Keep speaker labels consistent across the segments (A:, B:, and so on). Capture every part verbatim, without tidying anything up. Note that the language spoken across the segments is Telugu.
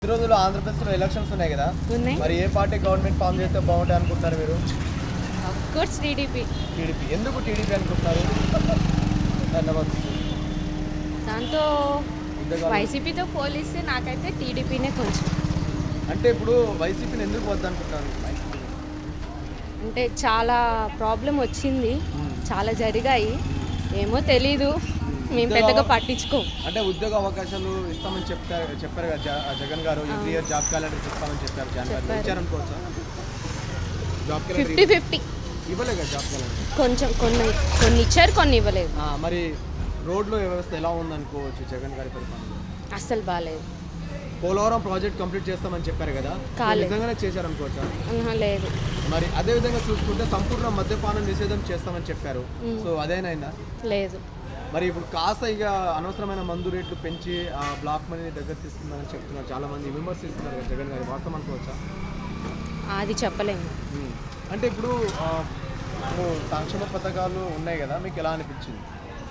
A: ఈ రోజుల్లో ఆంధ్రప్రదేశ్లో ఎలక్షన్స్ ఉన్నాయి కదా,
B: ఉన్నాయి.
A: మరి ఏ పార్టీ గవర్నమెంట్ ఫామ్ చేస్తే బాగుంటుంది అనుకుంటున్నారు మీరు?
B: Of course TDP.
A: టీడీపీ. ఎందుకు టీడీపీ అనుకుంటున్నారు? ధన్యవాదాలు.
B: దాంతో వైసీపీతో పోలిస్తే నాకైతే టీడీపీనే కొంచెం.
A: అంటే ఇప్పుడు వైసీపీని ఎందుకు వద్దనుకుంటున్నారు?
B: అంటే చాలా ప్రాబ్లం వచ్చింది, చాలా జరిగాయి, ఏమో తెలీదు, మేము పెద్దగా పట్టించుకోం.
A: అంటే ఉద్యోగ అవకాశాలు ఇస్తామని చెప్తారు చెప్పారు కదా జ- జగన్ గారు, ఎవ్రీ ఇయర్ జాబ్ క్యాలెండర్ ఇస్తామని చెప్పారు. జనవరి ఇచ్చారనుకోవచ్చా? జాబ్
B: ఫిఫ్టీ
A: క్యాలెండర్
B: ఫిఫ్టీ
A: ఇవ్వలే కదా జాబ్ క్యాలెండర్.
B: కొంచెం కొన్ని కొన్ని ఇచ్చారు, కొన్ని ఇవ్వలేదు.
A: ఆ, మరి రోడ్ల వ్యవస్థ ఎలా ఉందనుకోవచ్చు జగన్ గారి పరిపాలనలో?
B: అస్సలు బాగాలేదు.
A: పోలవరం ప్రాజెక్ట్ కంప్లీట్ చేస్తామని చెప్పారు కదా,
B: కాలేదు.
A: నిజంగానే చేశారనుకోవచ్చా?
B: ఆహా, లేదు.
A: మరి అదే విధంగా చూసుకుంటే సంపూర్ణ మద్యపానం నిషేధం చేస్తామని చెప్పారు. సో అదేనైందా?
B: లేదు.
A: మరి ఇప్పుడు కాస్త ఇక అనవసరమైన మందు రేట్లు పెంచి ఆ బ్లాక్ మనీని దగ్గర తీసుకుందని చెప్తున్నారు చాలా మంది, విమర్శిస్తున్నారు కదా జగన్ గారి. వాస్తవం అనుకోవచ్చా?
B: అది చెప్పలేము.
A: ఉమ్. అంటే ఇప్పుడు ఆ, ఇప్పుడు సంక్షేమ పథకాలు ఉన్నాయి కదా, మీకు ఎలా అనిపించింది?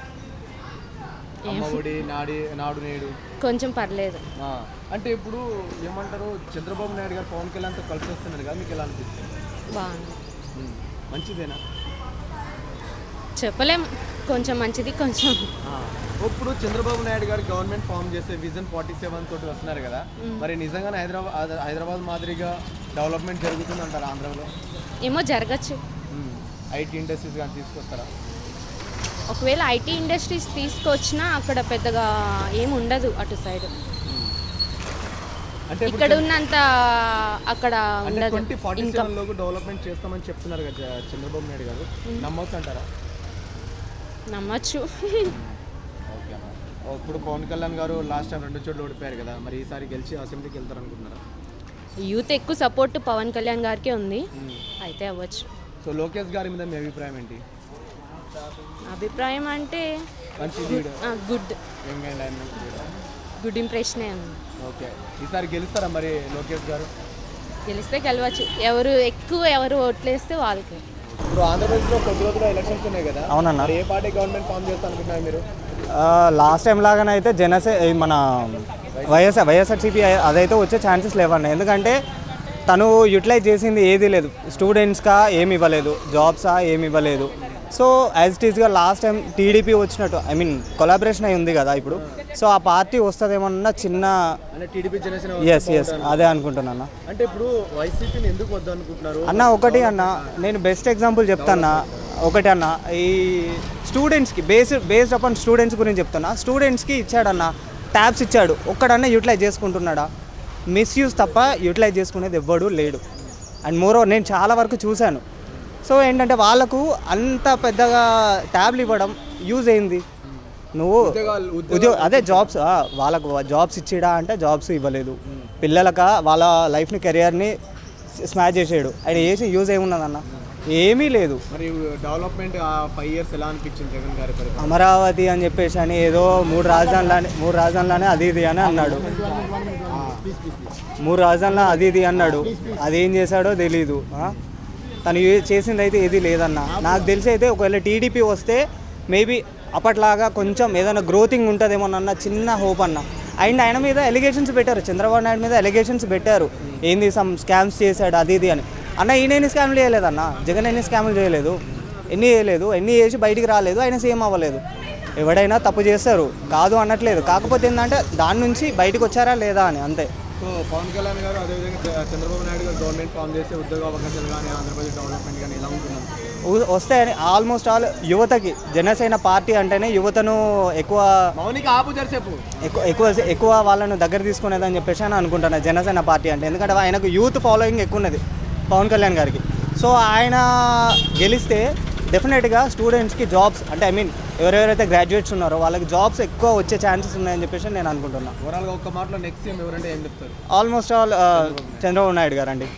A: అమ్మ ఒడి, నాడి నాడు నేడు.
B: కొంచెం పర్లేదు.
A: ఆ, అంటే ఇప్పుడు ఏమంటారు, చంద్రబాబు నాయుడు గారు పవన్ కళ్యాణ్తో కలిసి వస్తున్నారు కదా, మీకు ఎలా అనిపిస్తుంది?
B: బాగుంది.
A: ఉమ్. మంచిదేనా?
B: చెప్పలేం, కొంచెం మంచిది, కొంచెం.
A: ఆ, ఇప్పుడు చంద్రబాబు నాయుడు గారు గవర్నమెంట్ ఫామ్ చేసే విజన్ ఫార్టీ సెవెన్ తోటి వస్తున్నారు కదా, మరి నిజంగానే హైదరాబాద్ హైదరాబాద్ మాదిరిగా డెవలప్మెంట్ జరుగుతుంది అంటారు ఆంధ్రలో?
B: ఏమో జరగచ్చు.
A: ఐటీ ఇండస్ట్రీస్ కానీ తీసుకొస్తారా?
B: ఒకవేళ ఐటీ ఇండస్ట్రీస్ తీసుకొచ్చినా అక్కడ పెద్దగా ఏమి ఉండదు అటు సైడ్.
A: అంటే
B: ఇక్కడ ఉన్నంత అక్కడ ఉండదు.
A: ట్వంటీ ఫార్టీ
B: ఇంకా
A: సెవెన్ లోపు డెవలప్మెంట్ చేస్తామని చెప్తున్నారు కదా చ- చంద్రబాబు నాయుడు గారు, నమ్మొచ్చు అంటారా?
B: నమ్మచ్చు.
A: ఓకే అమ్మా. ఇప్పుడు పవన్ కళ్యాణ్ గారు లాస్ట్ టైం రెండు చోట్ల ఓడిపోయారు కదా, మరి ఈసారి గెలిచి అసెంబ్లీకి వెళ్తారు అనుకుంటున్నారా?
B: యూత్ ఎక్కువ సపోర్ట్ పవన్ కళ్యాణ్ గారికే ఉంది, అయితే అవ్వచ్చు.
A: సో లోకేష్ గారి మీద మీ అభిప్రాయం ఏంటి?
B: అభిప్రాయం అంటే
A: మంచి lead,
B: good
A: young and and
B: good ఇంప్రెషనే ఉంది.
A: ఓకే. ఈసారి గెలుస్తారా మరి లోకేష్ గారు?
B: గెలిస్తే గెలవచ్చు, ఎవరు ఎక్కువ ఎవరు ఓట్లేస్తే వాళ్ళకి.
A: ఇప్పుడు ఆంధ్రప్రదేశ్లో కొద్ది రోజుల్లో ఎలక్షన్స్ ఉన్నాయి కదా,
C: అవునన్నా.
A: మరి ఏ పార్టీ గవర్నమెంట్ ఫామ్ చేస్తా అనుకుంటున్నారు మీరు?
C: లాస్ట్ టైం లాగానే అయితే జనసే ఈ మన వైఎస్ఆర్ వైఎస్ఆర్సీపీ అదైతే వచ్చే ఛాన్సెస్ లేవన్న. ఎందుకంటే తను యూటిలైజ్ చేసింది ఏదీ లేదు, స్టూడెంట్స్గా ఏమి ఇవ్వలేదు, జాబ్సా ఏమి ఇవ్వలేదు. సో యాజ్ ఇట్ ఈస్గా లాస్ట్ టైం టీడీపీ వచ్చినట్టు, ఐ మీన్ కొలాబరేషన్ అయి ఉంది కదా ఇప్పుడు, సో ఆ పార్టీ వస్తుందేమన్నా చిన్న
A: అంటే టీడీపీ జనసేన
C: ఎస్ ఎస్ అదే అనుకుంటున్నా.
A: అంటే ఇప్పుడు వైసీపీని ఎందుకు వద్దు అనుకుంటున్నారు
C: అన్న ఒకటి అన్న, నేను బెస్ట్ ఎగ్జాంపుల్ చెప్తాన్నా. ఒకటి అన్న, ఈ స్టూడెంట్స్కి బేస్డ్ బేస్డ్ అపాన్ స్టూడెంట్స్ గురించి చెప్తున్నా. స్టూడెంట్స్కి ఇచ్చాడన్న, ట్యాబ్స్ ఇచ్చాడు, ఒక్కడన్నా యూటిలైజ్ చేసుకుంటున్నాడా? మిస్యూజ్ తప్ప యూటిలైజ్ చేసుకునేది ఎవ్వడు లేడు. అండ్ మోరో నేను చాలా వరకు చూశాను. సో ఏంటంటే వాళ్ళకు అంత పెద్దగా ట్యాబ్లు ఇవ్వడం యూజ్ అయింది. నువ్వు ఉద్యోగ అదే జాబ్స్, వాళ్ళకు జాబ్స్ ఇచ్చిడా అంటే జాబ్స్ ఇవ్వలేదు. పిల్లలక వాళ్ళ లైఫ్ని కెరియర్ని స్మాష్ చేసాడు. ఆయన చేసి యూజ్ ఏమున్నదన్న? ఏమీ లేదు.
A: మరి డెవలప్మెంట్ ఫైవ్ ఇయర్స్ ఎలా అనిపించింది జగన్ గారి పరిపాలన?
C: అమరావతి అని చెప్పేసి అని ఏదో మూడు రాజధానులనే మూడు రాజధానులనే అది ఇది అని అన్నాడు. మూడు రాజధానుల అది ఇది అన్నాడు. అదేం చేశాడో తెలీదు. తను ఏ- చేసింది అయితే ఏది లేదన్న. నాకు తెలిసి అయితే ఒకవేళ టీడీపీ వస్తే మేబీ అప్పట్లాగా కొంచెం ఏదైనా గ్రోతింగ్ ఉంటుందేమోనన్న చిన్న హోప్ అన్న. అండ్ ఆయన మీద ఎలిగేషన్స్ పెట్టారు, చంద్రబాబు నాయుడు మీద ఎలిగేషన్స్ పెట్టారు, ఏంది సమ్ స్కామ్స్ చేశాడు అది ఇది అని. అన్న ఈయన ఎన్ని స్కామ్లు చేయలేదన్న, జగన్ ఎన్ని స్కామ్లు చేయలేదు, ఎన్ని చేయలేదు, ఎన్ని చేసి బయటికి రాలేదు, ఆయన సీఎం అవ్వలేదు. ఎవడైనా తప్పు చేస్తారు, కాదు అనట్లేదు. కాకపోతే ఏంటంటే దాని నుంచి బయటకు వచ్చారా లేదా అని, అంతే.
A: సో పవన్ కళ్యాణ్ గారు అదేవిధంగా చంద్రబాబు నాయుడు గారు గవర్నమెంట్ ఫామ్ చేసే ఉద్యోగ అవకాశాలు కానీ ఆంధ్రప్రదేశ్ డెవలప్మెంట్ కానీ ఎలా ఉంటున్నారు?
C: వ- వస్తాయని ఆల్మోస్ట్ ఆల్ యువతకి, జనసేన పార్టీ అంటేనే యువతను ఎక్కువ
A: మౌనిక ఆపు జరిసేపు
C: ఎక్కువ ఎక్కువ ఎక్కువ వాళ్ళను దగ్గర తీసుకునేదని చెప్పేసి అని అనుకుంటున్నాను జనసేన పార్టీ అంటే. ఎందుకంటే ఆయనకు యూత్ ఫాలోయింగ్ ఎక్కువ ఉన్నది పవన్ కళ్యాణ్ గారికి. సో ఆయన గెలిస్తే డెఫినెట్గా స్టూడెంట్స్కి జాబ్స్, అంటే ఐ మీన్ ఎవరెవరైతే గ్రాడ్యుయేట్స్ ఉన్నారో వాళ్ళకి జాబ్స్ ఎక్కువ వచ్చే ఛాన్సెస్ ఉన్నాయని చెప్పేసి నేను అనుకుంటున్నాను.
A: ఓవరాల్గా ఒక్క మాటలో నెక్స్ట్ సీఎం ఎవరంటే ఏం చెప్తారు?
C: ఆల్మోస్ట్ ఆల్ చంద్రబాబు నాయుడు గారు అండి.